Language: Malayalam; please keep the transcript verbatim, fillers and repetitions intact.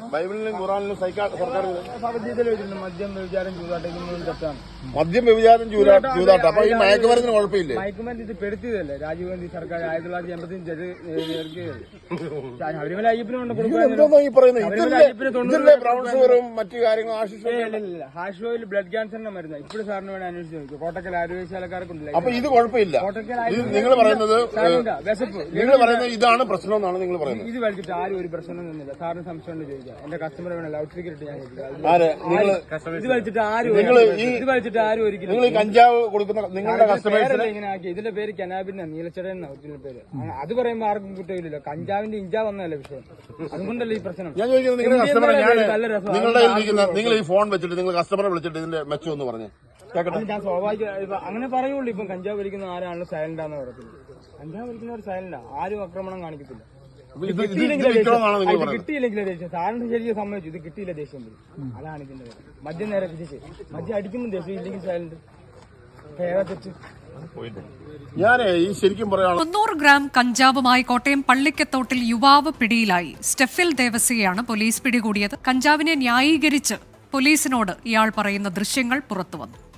ബൈബിളിലും ഖുറാനിലും സർക്കാർ മദ്യം വ്യഭിചാരം ചൂതാട്ടം തെറ്റാണ്. മദ്യം വ്യഭിചാരം ചൂതാട്ടം. അപ്പൊ ഈ മയക്കുമരുന്നിന് കുഴപ്പമില്ലേ? മയക്കുമരുന്ന് ഇത് പെടുത്തിയതല്ലേ രാജീവ് ഗാന്ധി സർക്കാർ ആയിരത്തി തൊള്ളായിരത്തി എൺപത്തി ശബരിമല അയ്യപ്പനുണ്ട് മറ്റു കാര്യങ്ങളും ഹാഷ് ഓയിൽ ബ്ലഡ് ക്യാൻസറിന്റെ മരുന്ന് ഇപ്പോഴും സാറിന് വേണ്ടി അന്വേഷിച്ച് നോക്കും. കോട്ടക്കൽ ആരോഗ്യശാലക്കാർക്കുണ്ട്. അപ്പൊ ഇത് കുഴപ്പമില്ല. നിങ്ങൾ പറയുന്നത് വിശപ്പ് നിങ്ങൾ പറയുന്നത് ഇതാണ് പ്രശ്നം എന്നാണ് നിങ്ങൾ പറയുന്നത്. ഇത് വലിച്ചിട്ട് ആരും ഒരു പ്രശ്നം നിന്നില്ല. സാറിന് സംശയം ഉണ്ട് ചോദിക്കാം. എന്റെ കസ്റ്റമർ വേണം ലൗഡ് സ്പീക്കർ ഇട്ട് ഞാൻ ഇത് വലിച്ചിട്ട് ആരും ഇത് വലിച്ചിട്ട് ആരും ഒരിക്കലും നിങ്ങൾ കഞ്ചാവ് കൊടുക്കുന്ന നിങ്ങളുടെ കസ്റ്റമേഴ്സിനെ ഇങ്ങനെ ആക്കി. ഇതിന്റെ പേര് കനാബിന്റെ നീലച്ചടൻ എന്ന ഒറിജിനൽ പേര്. അത് പറയുമ്പോൾ ആർക്കും കുറ്റമില്ലല്ലോ. കഞ്ചാവിന്റെ ഇഞ്ചാ വന്നതല്ലേ വിഷയം. അതുകൊണ്ടല്ലേ ഈ പ്രശ്നം. ഞാൻ ചോദിക്കുന്നത് നിങ്ങളുടെ കസ്റ്റമറെ ഞാൻ നിങ്ങളുടെ ഇരിക്കുന്ന നിങ്ങൾ ഈ ഫോൺ വെച്ചിട്ട് നിങ്ങൾ കസ്റ്റമറെ വിളിച്ചിട്ട് ഇതിന്റെ മെച്ചം എന്ന് പറഞ്ഞ് ഞാൻ സ്വാഭാവിക അങ്ങനെ പറയുള്ളൂ. ഇപ്പം കഞ്ചാവ് വലിക്കുന്ന ആരാണല്ലോ സൈലന്റാന്ന് പറയത്തില്ല. കഞ്ചാവ് വലിക്കുന്നവർ സൈലന്റാ. ആരും ആക്രമണം കാണിക്കത്തില്ല. കിട്ടിയില്ലെങ്കിലേ ദേഷ്യം. സാറിന് ശരിക്കും സമ്മതിച്ചു. ഇത് കിട്ടിയില്ല ദേഷ്യം വരും. അതാണ് ഇതിന്റെ പേര്. മദ്യം നേരെ പിടിച്ച് മദ്യം അടിക്കുമ്പോൾ ദേഷ്യം ഇല്ലെങ്കിൽ സൈലന്റ് ഏതാ തെറ്റ്. ഞാൻ ഈ ശരിക്കും പറയാം. മുന്നൂറ് ഗ്രാം കഞ്ചാവുമായി കോട്ടയം പള്ളിക്കത്തോട്ടിൽ യുവാവ് പിടിയിലായി. സ്റ്റെഫിൽ ദേവസിയെയാണ് പോലീസ് പിടികൂടിയത്. കഞ്ചാവിനെ ന്യായീകരിച്ച് പോലീസിനോട് ഇയാൾ പറയുന്ന ദൃശ്യങ്ങൾ പുറത്തുവന്നു.